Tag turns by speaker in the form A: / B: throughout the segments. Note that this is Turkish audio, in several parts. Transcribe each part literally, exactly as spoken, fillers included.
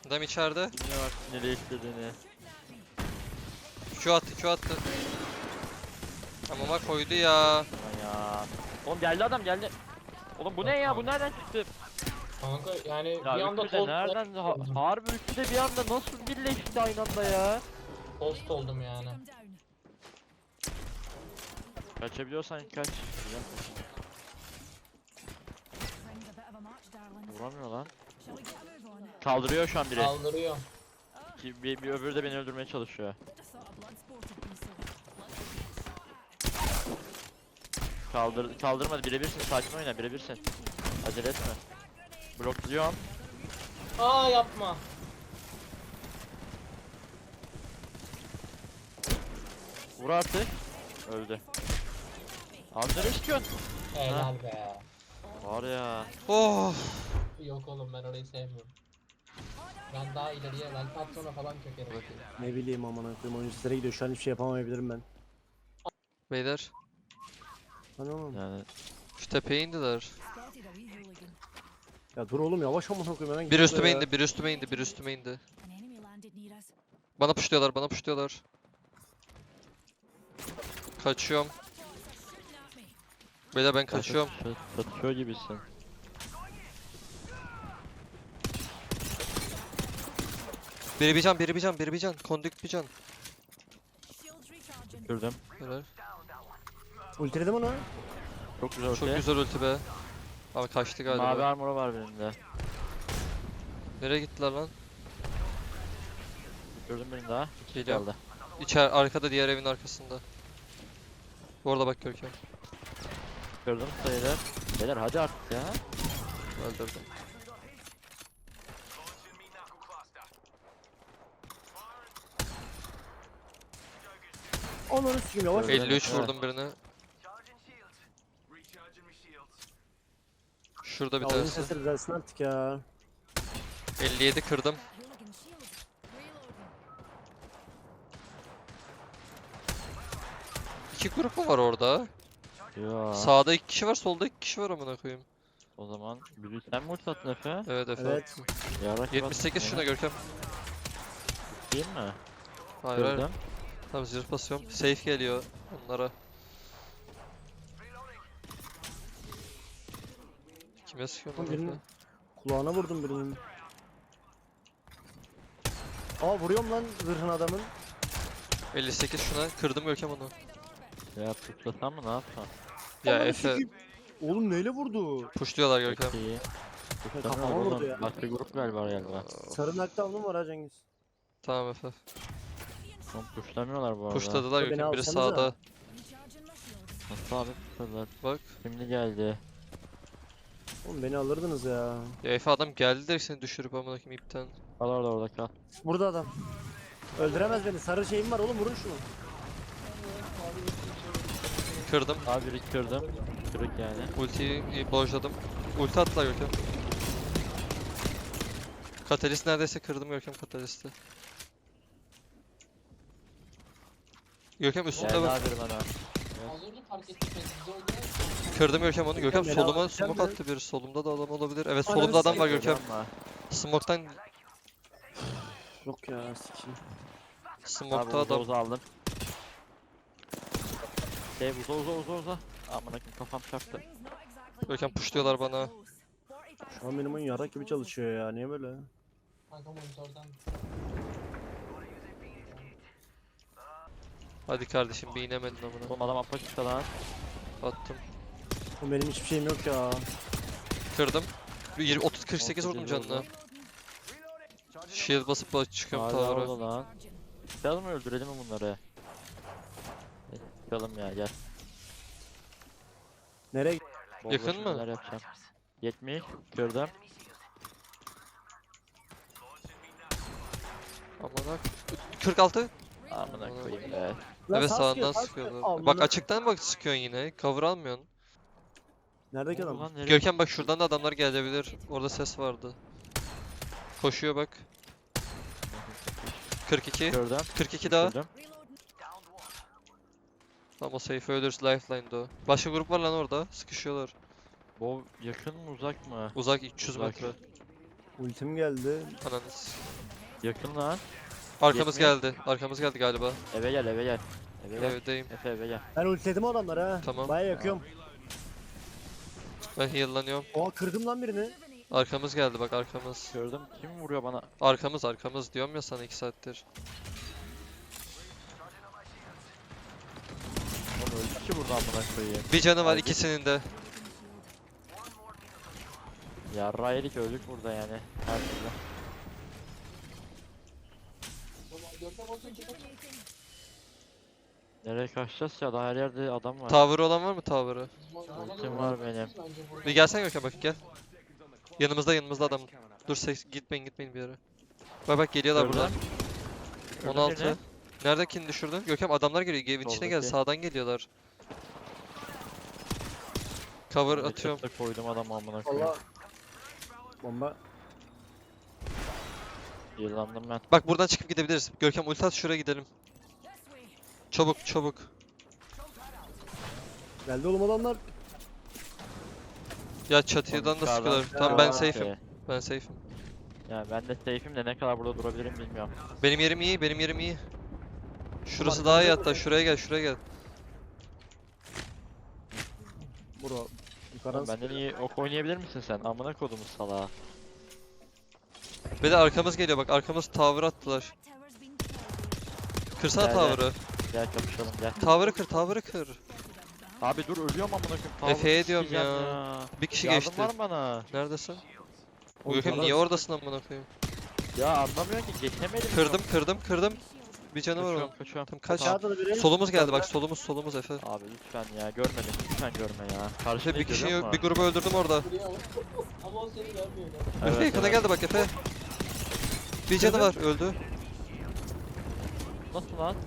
A: Adam içeride.
B: Bilmiyorum artık nereye istediğini.
A: Q attı, Q attı. Amama koydu ya.
B: Aman ya. Oğlum geldi adam geldi. Oğlum bu ne ya? Bu nereden çıktı?
C: Kanka yani
B: Ya
C: bir anda
B: üçü de
C: tost
B: nereden? Ha,
C: oldum.
B: harbi üçü de bir anda nasıl birleşti aynı anda ya?
C: Tost oldum yani.
B: Kaçabiliyorsan kaç. Güzel. Vuramıyor lan. Kaldırıyor şu an biri.
C: Kaldırıyor.
B: Ki bir, bir öbürü de beni öldürmeye çalışıyor. Kaldır kaldırmadı, birebirsin, sakin oyna, birebirsin. Acele etme. Blokluyorum.
C: Aa yapma.
B: Vur artık. Öldü. Abi nereye çıkıyorsun?
C: Helal be.
B: Var ya.
A: Oh.
C: Yok oğlum ben orayı sevmiyorum. Ben daha ileriye ben patrona falan kökerim.
D: Ne bileyim amına koyayım, oyun sizlere gidiyor, şu an hiçbir şey yapamayabilirim ben.
A: Beyler.
D: Hani oğlum.
B: Yani
A: Şu tepeye indiler.
D: Ya dur oğlum, yavaş amına koyayım, hemen
A: Bir
D: gidiyor
A: üstüme
D: ya.
A: indi, bir üstüme indi, bir üstüme indi. Bana puşluyorlar, bana puşluyorlar. Kaçıyorum. Beyler ben kaçıyorum.
B: Satıyor gibisin.
A: Biri bir can, biri bir can, biri bir can. Kondük bir can.
B: Gördüm.
A: Helal.
D: Ultiledim onu.
B: Çok güzel
A: Çok
B: ortaya.
A: güzel ulti be. Ama kaçtı
B: Mavi
A: galiba.
B: armora var birinde.
A: Nereye gittiler lan?
B: Gördüm birini daha. İki
A: Geliyorum.
B: kaldı.
A: İçer, arkada, diğer evin arkasında. Bu arada bak Görkem.
B: Gördüm sayılar. Beyler hadi artık ya.
A: Öldürdüm.
D: Ananı sikeyim, yavaş.
B: Öyle.
A: elli üç
B: Evet.
A: vurdum birine. Şurada bir
D: Ya oyun
A: tanesi.
D: sesleri düzelsin artık ya.
A: elli yedi kırdım. İki grup mu var orada?
B: Ya.
A: Sağda iki kişi var, solda iki kişi var amına koyayım.
B: O zaman bir sen mi ulti attın Efe?
A: Evet Efe.
D: Evet.
B: Yarak
A: yetmiş sekiz şuna Görkem.
B: Değil mi?
A: Hayır hayır.
B: Gördüm.
A: Tamam zırh basıyorum. Safe geliyor onlara. Kime sıkıyorum lan
D: Birinin
A: Efe?
D: kulağına vurdum birinin. Aa, vuruyorum lan zırhın adamın.
A: elli sekiz şuna kırdım Görkem onu.
B: Ya tutlasam mı ne yapsam?
A: Ya
D: Ananı
A: Efe
D: sikeyim. Oğlum neyle vurdu?
A: pushluyorlar Görkem.
B: Çok iyi.
D: Kafama
B: Tutlamıyor
D: vurdu
B: oğlum.
D: ya.
B: Başka grup galiba galiba.
D: Sarı nakdavnım var ha Cengiz.
A: Tamam Efe.
B: Oğlum pushlamıyorlar bu arada.
A: Pushladılar
D: Beni
A: Görkem. Biri
D: alsanıza.
A: sağda.
B: Nasıl abi pushladılar?
A: Bak.
B: Şimdi geldi.
D: Oğlum beni alırdınız ya.
A: Ya Efe adam geldi de seni düşürüp amına koyayım ipten.
B: Kal orada orada kal.
D: Burada adam. Öldüremez beni. Sarı şeyim var oğlum, vurun şunu.
A: Kırdım.
B: Abi biri kırdım. Kırık yani.
A: Ultiyi bojladım. Ulti attılar Görkem. Katalist neredeyse kırdım Görkem katalisti. Görkem üstünde
B: Geldi
A: bak.
B: abi biri bana.
C: Az önce fark ettik biz biz orada.
A: Kırdım Görkem onu. Görkem
D: beni
A: soluma
D: alacak
A: smoke
D: mı?
A: attı biri. Solumda da adam olabilir. Evet
D: Ananı
A: solumda adam var
D: sikeyim.
A: Görkem.
B: Ama.
A: Smoke'tan
D: Yok ya, sikeyim.
B: Abi
A: smoke'ta
B: uza
A: adam.
B: uza aldım. Şey uza uza uza uza. Amına koyayım kafam çarptı.
A: Görkem pushluyorlar bana.
D: Şu an benim oyun yarak gibi çalışıyor ya. Niye böyle?
C: Kanka monitörden.
A: Hadi kardeşim bir inemedin amına.
B: Oğlum adam apaçıkta lan.
A: Attım.
D: Oğlum benim hiçbir şeyim yok ya.
A: Kırdım. Bir yirmi otuz kırk sekiz vurdum canına. Shield basıp bas- çıkıyorum
B: Hala
A: tower'a.
B: orada lan. Çıkalım mı öldürelim mi bunları? Evet, çıkalım ya gel.
D: Nereye?
B: Bol
A: Yakın
B: boş
A: mı?
B: neler yapacağım. yetmiş gördüm.
A: Amına. kırk altı.
B: Amına koyayım be.
D: Lan
A: Evet
D: sağ
A: sağından
D: sıkıyor, sağ
A: sıkıyorlar.
D: sıkıyor. Amına-
A: Bak açıktan bak sıkıyorsun yine. Cover almıyorsun.
D: Neredeki
B: Oldu
D: adam?
B: lan, nereye
A: Görkem bak şuradan da adamlar gelebilir. Orada ses vardı. Koşuyor bak. kırk iki.
B: Gördüm.
A: kırk iki daha.
B: Gördüm.
A: Ama safe ölürüz lifeline'da o. Başka grup var lan orada. Sıkışıyorlar.
B: Bu yakın mı uzak mı?
A: Uzak üç yüz
B: Uzak.
A: metre.
D: Ultim geldi.
A: Ananız.
B: Yakın lan.
A: Arkamız
B: Yetmiyor.
A: geldi. Arkamız geldi galiba.
B: Eve gel eve gel. Eve gel.
A: Evdeyim.
B: Efe eve gel.
D: Ben ultiledim o adamları ha.
A: Tamam.
D: Baya yakıyorum.
A: Ben heal'lanıyorum.
D: Oha kırdım lan birini.
A: Arkamız geldi bak arkamız.
B: Gördüm. Kim vuruyor bana?
A: Arkamız arkamız diyorum ya sana iki saattir.
B: Oğlum öldü ki burada amına koyayım.
A: Bir canı var
B: Hadi.
A: ikisinin de.
B: Ya Raylik öldük burada yani. Her türlü.
C: Görkem olsun ki kaç.
B: Nereye kaçacağız ya? Daha her yerde adam var.
A: Tower olan var mı tower'ı?
B: Ultim var benim.
A: Bir gelsene Gökhan bak gel. Yanımızda yanımızda adam. Dur ses gitmeyin gitmeyin bir yere. Bak bak geliyorlar
B: Gördün
A: buradan.
B: mü? Gördün
A: on altı.
B: birini.
A: Neredekini düşürdün? Gökhan adamlar geliyor. Evin içine gel.
B: Soldaki.
A: Sağdan geliyorlar. Cover
B: Bir
A: atıyorum.
B: çatıda koydum adam amına koyayım.
D: Valla. Bomba.
B: Yılandım ben.
A: Bak buradan çıkıp gidebiliriz. Görkem ulti at şuraya gidelim. Çabuk çabuk.
D: Geldi oğlum adamlar.
A: Ya çatıdan da
B: Yukarıdan
A: sıkıyorlar.
B: çıkıyor
A: Tamam ben
B: lan
A: safe'im.
B: şey.
A: Ben safe'im.
B: Ya ben de safe'im de ne kadar burada durabilirim bilmiyorum.
A: Benim yerim iyi, benim yerim iyi. Şurası
D: Ulan
A: daha iyi
D: nerede
A: hatta.
D: bu?
A: Şuraya gel, şuraya gel.
D: Bro. Yukarıdan
B: Oğlum benden iyi ok oynayabilir misin sen? Amına kodumuz salağa.
A: Bir de arkamız geliyor bak. Arkamız tower attılar. Kırsana
B: Gel, gel.
A: tower'ı.
B: Gel kapışalım gel.
A: Tower'ı kır, tower'ı kır.
B: Abi dur ölüyorum amına koyayım. Power
A: Efe'ye diyorum
B: sikeceğim
A: ya. Bir kişi
B: Yardım
A: geçti.
B: var mı bana?
A: Neredesin?
D: Oğlum
A: Görkem
D: bana-
A: niye oradasın amına koyayım?
B: Ya anlamıyorum ki geçemedim.
A: Kırdım, kırdım, kırdım. Bir canı var
B: Kaçıyorum
A: onun.
B: kaçıyorum.
A: Tamam kaç.
B: Tamam.
D: Aşağıda da biri.
A: Solumuz geldi bak.
D: Yukarıda.
A: Solumuz, solumuz Efe.
B: Abi lütfen ya görmedim lütfen görme ya.
A: Efe
B: Karşıda
A: bir kişiyi, bir grubu öldürdüm orada.
C: Ama o seni görmüyor.
A: Efe yakına geldi bak Efe. Bir canı var, öldü.
B: Nasıl lan?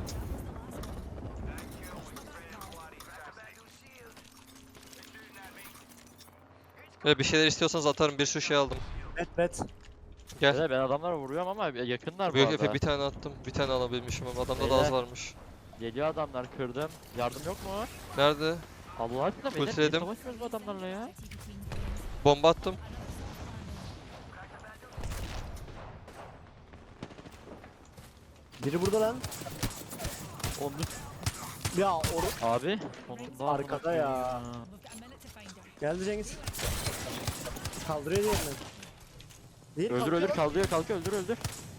A: Ve bir şeyler istiyorsanız atarım. Bir sürü şey aldım.
D: Bet bet.
A: Gel.
B: Beyler, ben adamlara vuruyorum ama yakınlar bu
A: Büyük
B: arada.
A: Efe bir tane attım. Bir tane alabilmişim ama adamda da az
B: Beyler.
A: varmış.
B: Geliyor adamlar kırdım. Yardım yok mu?
A: Nerede?
B: Allah aşkına beyler niye
A: Ultiledim.
B: savaşmıyoruz bu adamlarla ya?
A: Bomba attım.
D: Biri burada lan.
B: Oğlum
D: Ya or
B: abi sonunda
D: Arkada
B: amına koyayım
D: ya. Geldi Cengiz. Kaldırıyor diğerini. Değil
B: Öldür
D: kalkıyor
B: öldür
D: bak.
B: kaldırıyor kalkıyor öldür öldür.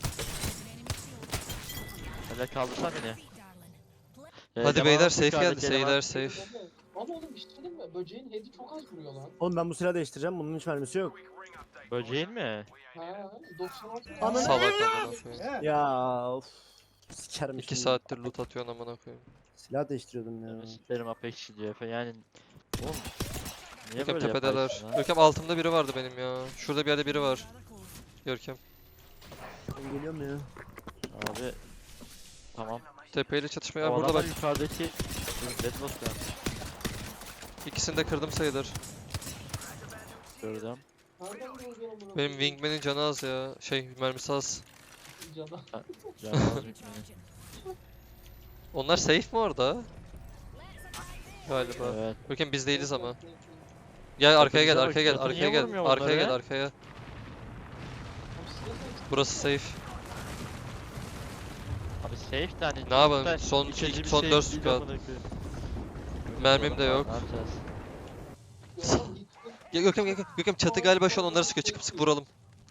B: Hele kaldırsan beni. Ee,
A: Hadi
B: eleman
A: beyler
B: var,
A: safe
B: yukarıdaki
A: geldi.
B: eleman.
A: Seyler safe.
C: Ama oğlum bir şey diyeyim mi? Böceğin head'i çok az vuruyor lan.
D: Oğlum ben bu silahı değiştireceğim. Bunun hiç mermisi yok.
B: Böceğin mi?
C: Ha, doksan altı.
D: Ananı-
A: Salak amına koyayım.
D: Ya of. Sikerim
A: İki
D: şimdi.
A: saattir loot atıyorsun amına koyayım.
D: Silah değiştiriyordum ya.
B: Sikerim Apex'i diyor Efe yani. Oğlum. Niye
A: Görkem
B: böyle
A: tepedeler.
B: yaparsın ha?
A: Görkem altımda biri vardı benim ya. Şurada bir yerde biri var. Görkem.
D: Ben geliyorum ya.
B: Abi. Tamam.
A: Tepeyle çatışmaya
B: O
A: burada
B: adamlar
A: bak.
B: yukarıdaki Deadlock ya.
A: İkisini de kırdım sayılır.
B: Gördüm.
C: Nereden vuruyor bunu?
A: Benim Wingman'in canı az ya. Şey mermisi az.
C: Cana.
B: Canım az bitmedi.
A: Onlar safe mi orada? Galiba.
B: Evet.
A: Görkem biz değiliz ama. Gel arkaya gel,
B: Bakın,
A: arkaya gel,
B: bakın,
A: arkaya
B: niye
A: gel.
B: vurmuyor
A: Arkaya
B: onları?
A: gel, arkaya. Burası safe.
B: Abi safe de hani.
A: Ne yapalım?
B: çok da
A: Son
B: iç açıcı
A: iki-
B: bir
A: son
B: şey
A: dört
B: değil
A: squad.
B: amına koyayım.
A: Mermim de yok.
B: Ne yapacağız?
A: Ya Görkem, Görkem, Görkem çatı galiba şu an onları sıkıyor. Çıkıp sık vuralım.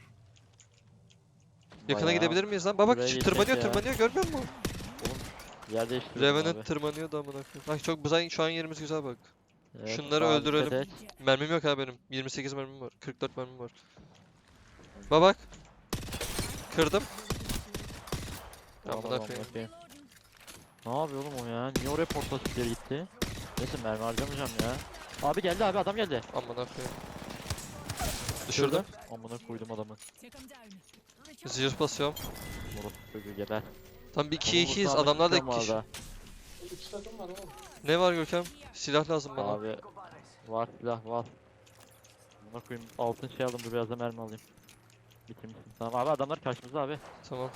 A: Yakına
B: Bayağı
A: gidebilir miyiz lan? Bak bak
B: buraya
A: şu
B: geçecek
A: tırmanıyor
B: ya.
A: tırmanıyor görmüyor musun?
B: Yer değiştiriyorum
A: Revenant
B: abi.
A: tırmanıyor da amına koyayım. Bak çok güzel şu an yerimiz güzel bak.
B: Evet,
A: şunları
B: sağa
A: öldürelim.
B: dikkat et.
A: Mermim yok ha benim. yirmi sekiz mermim var. kırk dört mermim var. Bak bak. Kırdım.
B: Aman
A: Amına
B: aman
A: koyayım.
B: bakayım. Ne yapıyor oğlum o ya? Niye oraya portatifleri gitti? Neyse mermi harcamayacağım ya. Abi geldi abi adam geldi.
A: Amına koyayım. Düşürdüm.
B: Amına koydum adamı.
A: Zırh basıyorum.
B: Moruk çocuğu geber.
A: Tam bir iki
B: Adamı
A: ikiyiz.
B: kurtarmak
A: Adamlar da
B: istiyorum
A: iki kişi.
B: arada.
C: Üç takım var oğlum.
A: Ne var Görkem? Silah lazım bana.
B: Abi var silah var. Amına koyayım altın şey aldım dur biraz da mermi alayım. Bitirmişsin. Tamam abi adamlar karşımızda abi.
A: Tamam.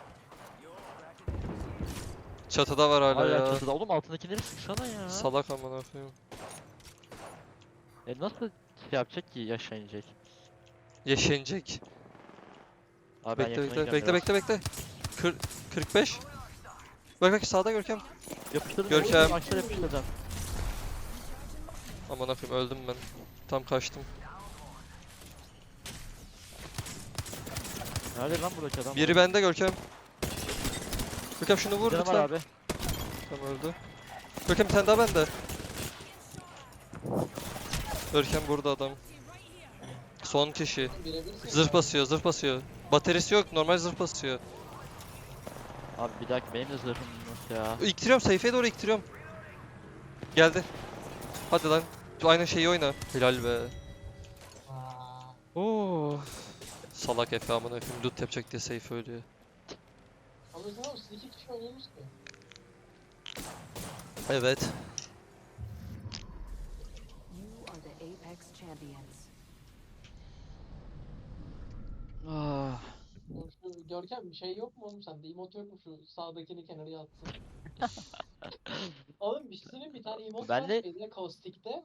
A: Çatıda var hala
B: Hala
A: ya.
B: çatıda oğlum altındakileri sıksana ya.
A: Salak amına koyayım.
B: E nasıl şey yapacak ki yaşayacak?
A: Yaşayacak.
B: Abi ben
A: Bekle
B: yakına
A: bekle
B: gidiyorum
A: bekle
B: biraz.
A: bekle bekle. Kır, kırk beş. Bak bak sağda Görkem.
B: Yapıştırdım.
A: Görkem.
B: Görkem. Aşağı yapıştıracağım.
A: Aman akıyım öldüm ben. Tam kaçtım.
B: Nerede lan buradaki adam?
A: Biri bende Görkem. Görkem şunu vur
B: Canım var
A: lütfen.
B: abi.
A: Tamam öldü. Görkem bir tane daha bende. Görkem burada adam. Son kişi.
C: Birebir
A: Zırh basıyor, zırh basıyor. Bataryası yok, normal zırh basıyor.
B: Abi bir dakika benim de zırhım yok ya.
A: İktiriyorum, sayfaya doğru iktiriyorum. Geldi. Hadi lan. Aynı şeyi oyna. Helal be.
C: Aa,
A: Oo. Salak Efe amına koyayım loot yapacak diye safe ölüyor.
C: anladın mı? Siz iki kişi oynuyorsunuz ki.
A: Evet.
E: You are the Apex champions.
B: Ah.
C: Oğlum Şu Görkem bir şey yok mu oğlum sende? Emot yok mu şu sağdakini kenara yatsın? Oğlum bir sürü bir tane emot
B: Ben
C: var
B: de-
C: şeyde, Caustic'te.